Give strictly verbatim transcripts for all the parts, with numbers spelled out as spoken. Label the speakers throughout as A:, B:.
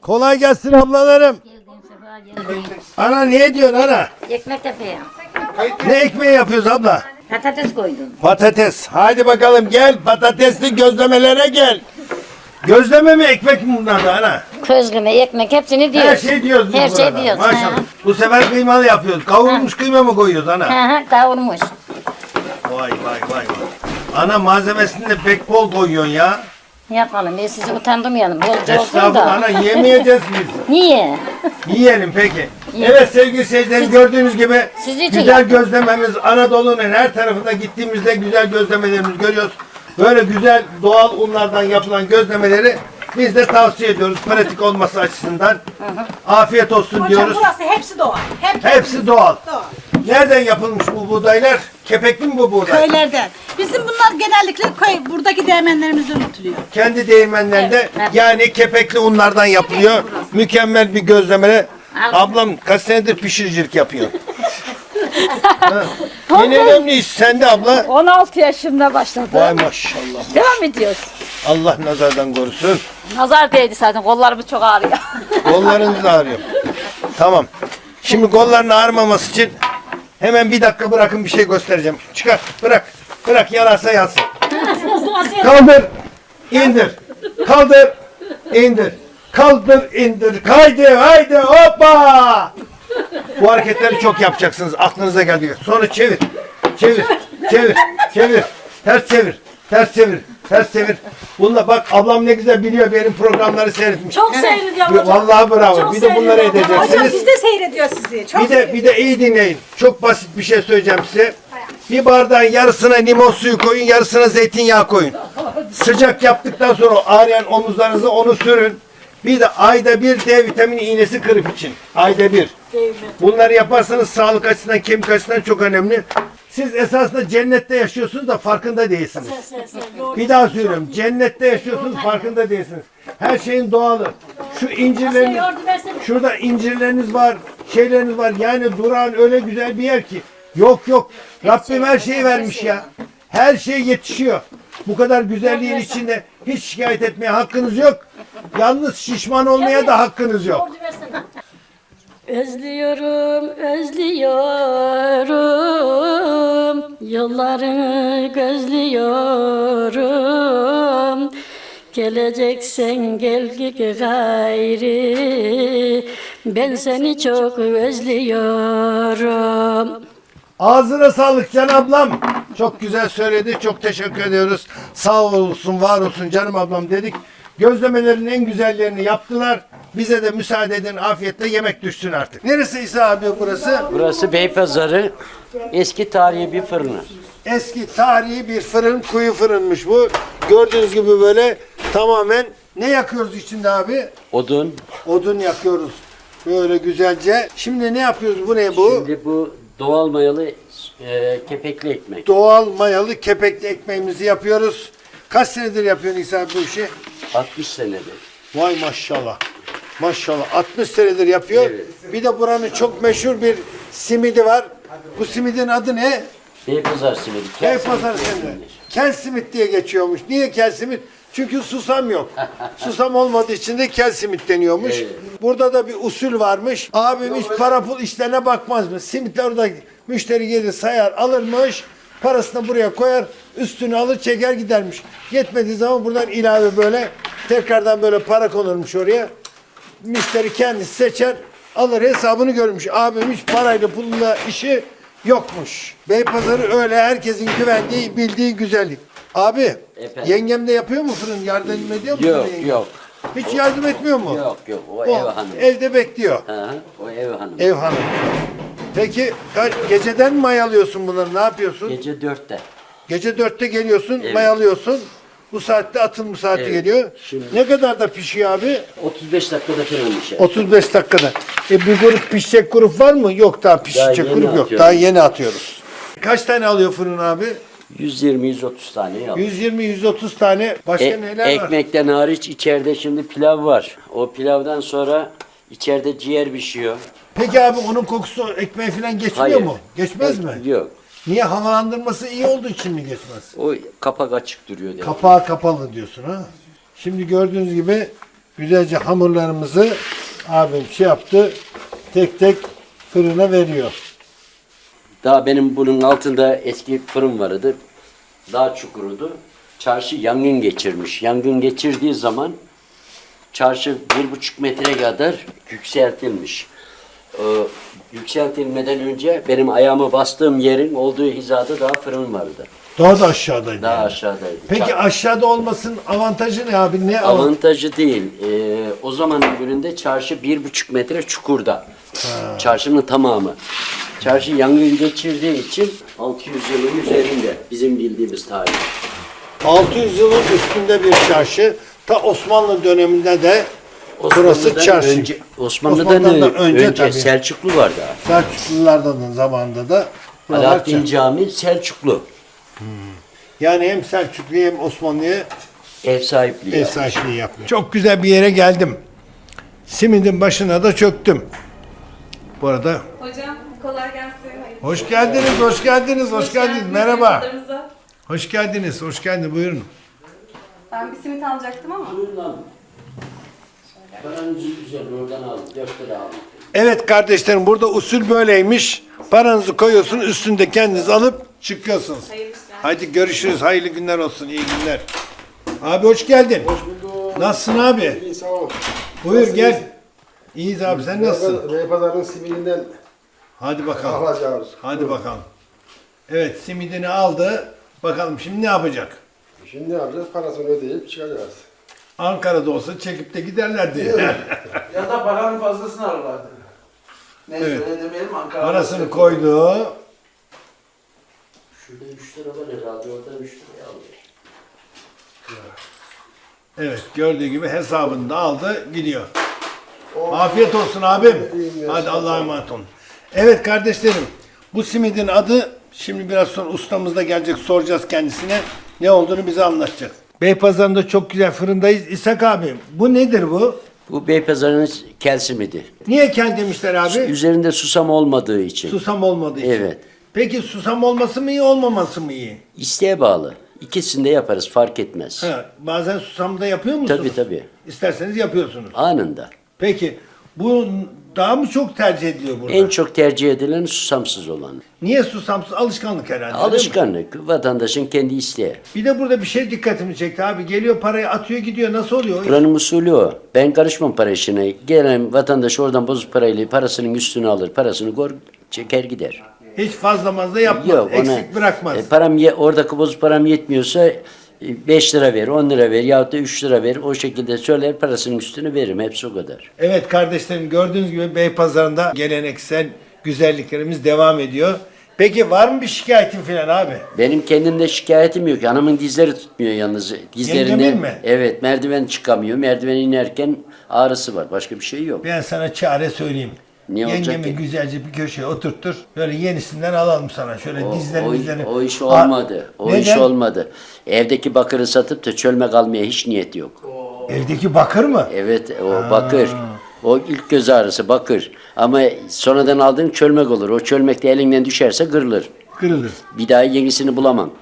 A: Kolay gelsin ablalarım. Ana ne diyorsun ana?
B: Ekmek yapıyorum.
A: Ne ekmeği yapıyoruz abla?
B: Patates koydum.
A: Patates. Haydi bakalım gel patatesli gözlemelere gel. Gözleme mi ekmek mi bunlar da ana?
B: Közleme, ekmek hepsini diyoruz.
A: Her şey diyoruz biz
B: Her şey
A: burada.
B: diyoruz.
A: Maşallah.
B: Ha.
A: Bu sefer kıymalı yapıyoruz. Kavrulmuş kıyma mı koyuyoruz ana?
B: Hı hı, kavurmuş.
A: Vay vay vay vay. Ana malzemesini de pek bol koyuyorsun ya.
B: Yapalım. Ben sizi utandırmayalım. Bolca olsun
A: Estağfurullah
B: da.
A: ana yemeyeceğiz biz.
B: Niye?
A: Yiyelim peki.
B: Yiyelim.
A: Evet sevgili seyirciler gördüğünüz gibi
B: Siz için
A: güzel
B: yapın.
A: gözlememiz Anadolu'nun her tarafında gittiğimizde güzel gözlemelerimizi görüyoruz. Böyle güzel doğal unlardan yapılan gözlemeleri biz de tavsiye ediyoruz pratik olması açısından. Afiyet olsun
C: Hocam
A: diyoruz.
C: burası hepsi doğal. Hep
A: Hepsi doğal.
C: doğal.
A: Nereden yapılmış bu buğdaylar? Kepekli mi bu buğday?
C: Köylerden. Bizim bunlar genellikle köy, buradaki değmenlerimizden üretiliyor.
A: Kendi değirmenlerinde
B: Evet, evet.
A: yani kepekli unlardan yapılıyor. Mükemmel bir gözleme. Ablam kaç senedir pişiricilik yapıyor. Ha. En önemli iş sende abla.
D: on altı yaşında başladı.
A: Vay maşallah.
D: Devam ediyoruz.
A: Allah nazardan korusun.
D: Nazar değdi zaten. Kollarımız çok ağrıyor.
A: Kollarınız da ağrıyor. Tamam. Şimdi kolların ağrımaması için hemen bir dakika bırakın bir şey göstereceğim. Çıkar bırak. Bırak yararsa yansın. Kaldır. İndir. Kaldır. İndir. Kaldır indir. Kaydı. Haydi hoppa. Bu hareketleri çok yapacaksınız. Aklınıza geldi. Sonra çevir. Çevir. Çevir. Çevir. Ters çevir. Ters çevir. Ters çevir. Bununla bak ablam ne güzel biliyor benim programları seyretmiş.
C: Çok seyrediyorum hocam.
A: Vallahi bravo.
C: Çok
A: Bir de bunları
C: seyrediyorum. Hocam
A: edeceksiniz.
C: biz de seyrediyor sizi. Çok
A: Bir de bir de iyi dinleyin. Çok basit bir şey söyleyeceğim size. Bir bardağın yarısına limon suyu koyun, yarısına zeytinyağı koyun. Sıcak yaptıktan sonra o ağrıyan omuzlarınıza onu sürün. Bir de ayda bir D vitamini iğnesi kırıp için. Ayda bir. Bunları yaparsanız sağlık açısından, kemik açısından çok önemli. Siz esasında cennette yaşıyorsunuz da farkında değilsiniz. Bir daha söylüyorum. Cennette yaşıyorsunuz farkında değilsiniz. Her şeyin doğalı. Şu incirleriniz, şurada incirleriniz var, şeyleriniz var. Yani Durağan öyle güzel bir yer ki. Yok yok. Rabbim her şeyi vermiş ya. Her şey yetişiyor. Bu kadar güzelliğin içinde hiç şikayet etmeye hakkınız yok. Yalnız şişman olmaya da hakkınız yok.
E: Özlüyorum, özlüyorum, yollarını gözlüyorum. Geleceksen gel gayri, ben seni çok özlüyorum.
A: Ağzına sağlık Can ablam. Çok güzel söyledi. Çok teşekkür ediyoruz. Sağ olsun, var olsun canım ablam dedik. Gözlemelerin en güzellerini yaptılar. Bize de müsaade edin afiyetle yemek düşsün artık. Neresi İsa abi burası?
F: Burası Beypazarı. Eski tarihi bir fırını.
A: Eski tarihi bir fırın, kuyu fırınmış bu. Gördüğünüz gibi böyle tamamen ne yakıyoruz içinde abi?
F: Odun.
A: Odun yakıyoruz. Böyle güzelce. Şimdi ne yapıyoruz? Bu ne bu?
F: Şimdi bu doğal mayalı e, kepekli ekmek.
A: Doğal mayalı kepekli ekmeğimizi yapıyoruz. Kaç senedir yapıyorsun İsa abi bu işi?
F: altmış senedir.
A: Vay maşallah. Maşallah. altmış senedir yapıyor.
F: Evet.
A: Bir de buranın çok meşhur bir simidi var. Bu simidin adı ne?
F: Beypazar simidi.
A: Beypazarı simidi. Kel simit diye geçiyormuş. Niye kel simit? Çünkü susam yok. Susam olmadığı için de kel simit deniyormuş.
F: Evet.
A: Burada da bir usul varmış. Abim hiç para pul işlerine bakmaz mı? Simitler orada müşteri gelir sayar alırmış. Parasını buraya koyar. Üstünü alır çeker gidermiş. Yetmediği zaman buradan ilave böyle tekrardan böyle para konurmuş oraya. Müşteri kendisi seçer, alır hesabını görmüş. Abim hiç parayla pulla işi yokmuş. Beypazarı öyle herkesin güvendiği, bildiği güzellik. Abi,
F: Efendim?
A: yengem de yapıyor mu fırın? Yardım ediyor mu?
F: Yok
A: sana yengem?
F: yok.
A: Hiç yardım etmiyor mu?
F: Yok yok. O,
A: O
F: ev hanımı.
A: evde bekliyor.
F: Hı hı, o ev hanımı.
A: Ev hanım. Peki kaç- geceden mi mayalıyorsun bunları? Ne yapıyorsun?
F: Gece dörtte.
A: Gece dörtte geliyorsun,
F: Evet.
A: mayalıyorsun. Bu saatte atılma saati
F: Evet.
A: geliyor.
F: Şimdi-
A: Ne kadar da pişiyor abi?
F: otuz beş dakikada falan bir şey.
A: otuz beş dakikada. E bir grup pişecek grup var mı? Yok daha pişecek
F: yeni
A: grup yok.
F: atıyoruz.
A: Daha yeni atıyoruz. Kaç tane alıyor fırın abi?
F: yüz yirmi yüz otuz tane yap.
A: yüz yirmi yüz otuz tane. Başka
F: E,
A: neler var?
F: ekmekten hariç içeride şimdi pilav var. O pilavdan sonra içeride ciğer pişiyor.
A: Peki abi onun kokusu ekmeğe falan geçmiyor
F: Hayır.
A: mu? Geçmez
F: E,
A: mi?
F: Yok.
A: Niye havalandırması iyi olduğu için mi geçmez?
F: O kapak açık duruyor. demek.
A: Kapağı kapalı diyorsun ha. Şimdi gördüğünüz gibi güzelce hamurlarımızı abim şey yaptı. Tek tek fırına veriyor.
F: Daha benim bunun altında eski fırın vardı. Daha çukurudu. Çarşı yangın geçirmiş. Yangın geçirdiği zaman çarşı bir buçuk metre kadar yükseltilmiş. Ee, yükseltilmeden önce benim ayağımı bastığım yerin olduğu hizada daha fırın vardı.
A: Daha da aşağıdaydı.
F: Daha
A: yani.
F: aşağıdaydı.
A: Peki
F: Ça-
A: aşağıda olmasının avantajı ne abi? Ne avantajı?
F: Avantajı değil. Ee, o zamanın gününde çarşı bir buçuk metre çukurda. Çarşının tamamı. Çarşı yangın geçirdiği için altı yüz yılın üzerinde bizim bildiğimiz tarih.
A: altı yüz yılın üstünde bir çarşı. Ta Osmanlı döneminde de burası
F: Osmanlı'dan
A: çarşı.
F: Önce, Osmanlı'dan,
A: Osmanlı'dan
F: önce,
A: önce tabii.
F: Selçuklu vardı.
A: Selçuklulardan zamanında da buralar
F: Alaaddin
A: çarşı.
F: Camii Selçuklu.
A: Yani hem Selçuklu'ya hem Osmanlı'ya
F: Ev sahipliği.
A: ev
F: yapmış.
A: sahipliği yapıyor. Çok güzel bir yere geldim. Simidin başına da çöktüm. Bu arada
G: Hocam kolay gelsin. Hayırlı
A: hoş geldiniz, hoş geldiniz, hoş geldiniz.
G: geldiniz
A: Merhaba.
G: yayınlarımıza.
A: Hoş geldiniz, hoş geldiniz. Buyurun.
G: Ben bir simit alacaktım ama.
F: Buyurun abi. Paranızı güzel oradan alın. Dört lira alın.
A: Evet kardeşlerim, burada usul böyleymiş. Paranızı koyuyorsunuz, üstünde kendiniz alıp çıkıyorsunuz.
G: Hayırlı işler.
A: Hadi görüşürüz. Hayırlı günler olsun. İyi günler. Abi hoş geldin.
H: Hoş bulduk.
A: Nasılsın abi?
H: İyi sağ ol.
A: Buyur
H: Nasılsınız?
A: gel. İyiyiz abi, sen nasılsın?
H: Beypazarı'nın simidinden
A: Hadi bakalım.
H: alacağız.
A: Hadi bakalım. Evet, simidini aldı. Bakalım şimdi ne yapacak?
H: Şimdi ne yapacağız? Parasını ödeyip çıkacağız.
A: Ankara'da olsa çekip de giderlerdi.
I: Ya da paranın fazlasını alırlardı. Neyse
A: Evet.
I: öyle demeyelim Ankara'da.
A: Parasını koydu.
F: Şurada üç lira var herhalde. Oradan üç liraya alıyor.
A: Evet, gördüğü gibi hesabını da aldı, gidiyor. Afiyet olsun abim. Hadi Allah'a emanet olun. Evet kardeşlerim, bu simidin adı, şimdi biraz sonra ustamız da gelecek, soracağız kendisine. Ne olduğunu bize anlatacak. Beypazarı'nda çok güzel fırındayız. İshak abi, bu nedir bu?
F: Bu Beypazarı'nın kel simidi.
A: Niye kel demişler abi?
F: Üzerinde susam olmadığı için.
A: Susam olmadığı için.
F: Evet.
A: Peki susam olması mı iyi, olmaması mı iyi?
F: İsteğe bağlı. İkisini de yaparız fark etmez.
A: Ha, bazen susam da yapıyor musunuz?
F: Tabii tabii.
A: İsterseniz yapıyorsunuz.
F: Anında.
A: Peki, bu daha mı çok tercih ediliyor burada?
F: En çok tercih edilen susamsız olan.
A: Niye susamsız? Alışkanlık herhalde. değil mi?
F: Alışkanlık. Vatandaşın kendi isteği.
A: Bir de burada bir şey dikkatimi çekti abi. Geliyor parayı atıyor gidiyor. Nasıl oluyor?
F: Buranın usulü o. Ben karışmam para işine. Gelen vatandaş oradan bozuk parayla parasının üstüne alır. Parasını gor çeker gider.
A: Hiç fazla mazda yapmaz.
F: Yok, ona-
A: Eksik bırakmaz.
F: E, param ye, oradaki bozuk param yetmiyorsa e, beş lira ver, on lira ver yahut da üç lira ver. O şekilde söyler parasının üstünü veririm. Hepsi o kadar.
A: Evet kardeşlerim, gördüğünüz gibi Beypazarı'nda geleneksel güzelliklerimiz devam ediyor. Peki var mı bir şikayetin falan abi?
F: Benim kendimde şikayetim yok. Anamın dizleri tutmuyor yalnız. Dizlerinde,
A: Yengemin mi?
F: Evet, merdiven çıkamıyor. Merdiven inerken ağrısı var. Başka bir şey yok.
A: Ben sana çare söyleyeyim.
F: Ne olacak
A: Yengemi
F: ki?
A: güzelce bir köşeye oturttur. Böyle yenisinden alalım sana. Şöyle
F: O,
A: dizlerini
F: o,
A: dizlerini.
F: o iş
A: Aa,
F: olmadı. O iş
A: neden?
F: olmadı. Evdeki bakırı satıp da çölme kalmaya hiç niyet yok.
A: Evdeki bakır mı?
F: Evet, o bakır. O ilk göz ağrısı bakır. Ama sonradan aldığın çölmek olur. O çölmek de elinden düşerse kırılır.
A: Kırılır.
F: Bir daha yenisini bulamam.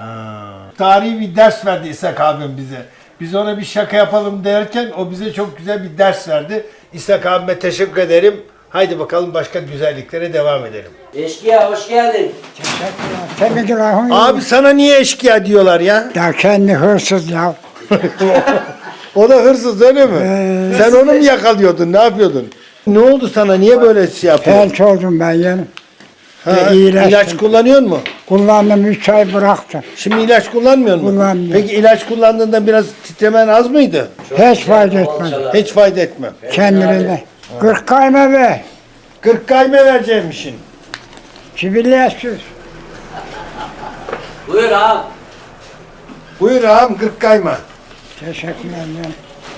A: Tarihi bir ders verdi İshak abim bize. Biz ona bir şaka yapalım derken o bize çok güzel bir ders verdi. İshak abime teşekkür ederim. Haydi bakalım başka güzelliklere devam edelim.
F: Eşkıya hoş geldin.
J: Tabii ki lahon
A: Abi sana niye eşkıya diyorlar ya?
J: ya kendi hırsız ya.
A: O da hırsız öyle mi? Sen onu mu yakalıyordun? Ne yapıyordun? Ne oldu sana? Niye böyle şey yapıyorsun?
J: Felç oldum ben yeni.
A: Ha,
J: ve iyileştim.
A: ilaç kullanıyor mu?
J: Kullandım üç ay bıraktım.
A: Şimdi ilaç kullanmıyor musun?
J: Kullanmıyorum.
A: Peki ilaç kullandığında biraz titremen az mıydı?
J: Hiç fayda etmedi.
A: Hiç fayda etmem.
J: Kendine. Kırk kayma be.
A: kırk kayme vereceğimmişin.
J: Çivilesiz.
F: Buyur ağam.
A: Buyur ağam kırk kayma.
J: Teşekkür ederim.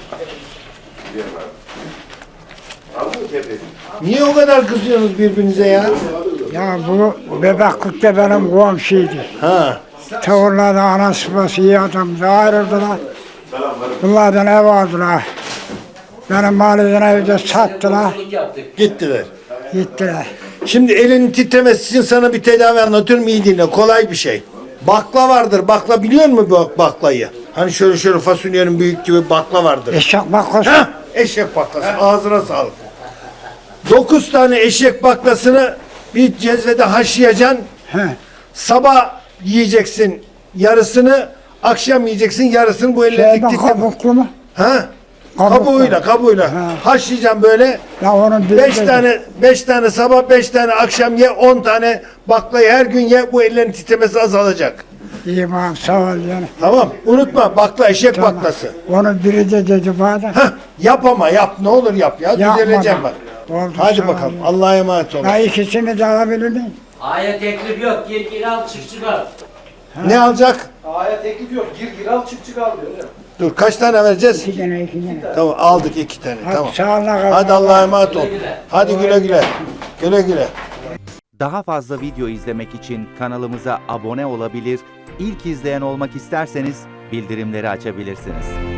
A: Niye o kadar kızıyorsunuz birbirinize ya?
J: Ya bu Bebeklik'te benim komşuydu.
A: Ha.
J: Tavırlarda anası babası iyi adamdı. Ayrıldılar. Bunlardan ev aldılar. Benim mahalleden evde sattılar.
A: Gittiler.
J: Gittiler.
A: Şimdi elinin titremesi için sana bir tedavi anlatıyorum, iyi dinle. Kolay bir şey. Bakla vardır. Bakla biliyor musun bu baklayı? Hani şöyle şöyle fasulyenin büyük gibi bakla vardır.
J: Eşek bakkası.
A: Heh, eşek baklası. Ağzına sağlık. Dokuz tane eşek baklasını bir cezvede haşlayacaksın.
J: He.
A: Sabah yiyeceksin yarısını, akşam yiyeceksin yarısını bu elle
J: Şeyden
A: diktikten.
J: kabuklu mu?
A: Ha?
J: Kabuklu.
A: Kabuğuyla, kabuğuyla.
J: Ha.
A: Haşlayacaksın böyle.
J: Ya onun biri
A: Beş
J: de-
A: tane, beş tane sabah, beş tane akşam ye, on tane baklayı her gün ye. Bu ellerin titremesi azalacak.
J: İyi bakalım sağ ol yani.
A: Tamam. Unutma bakla, eşek
J: Tamam.
A: baklası.
J: Onun biri de dedi bana.
A: Hah, yap ama yap. Ne olur yap ya.
J: Yapmadım.
A: Düzeleceğim bak.
J: Oldu,
A: Hadi
J: sağ ol.
A: bakalım. Allah'a emanet olun.
J: Ya ikisini de alabilir miyim?
F: Aya teklif yok. Gir gir al çık çıkar.
A: Ne alacak?
I: Aya teklif yok. Gir gir al çık çık al diyor. öyle mi?
A: Dur kaç tane vereceğiz?
J: İki tane iki tane.
A: Tamam aldık iki tane.
J: Hadi
A: Tamam.
J: sağ ol.
A: Hadi Allah'a emanet ol. Hadi güle güle. Güle güle.
K: Daha fazla video izlemek için kanalımıza abone olabilir, ilk izleyen olmak isterseniz bildirimleri açabilirsiniz.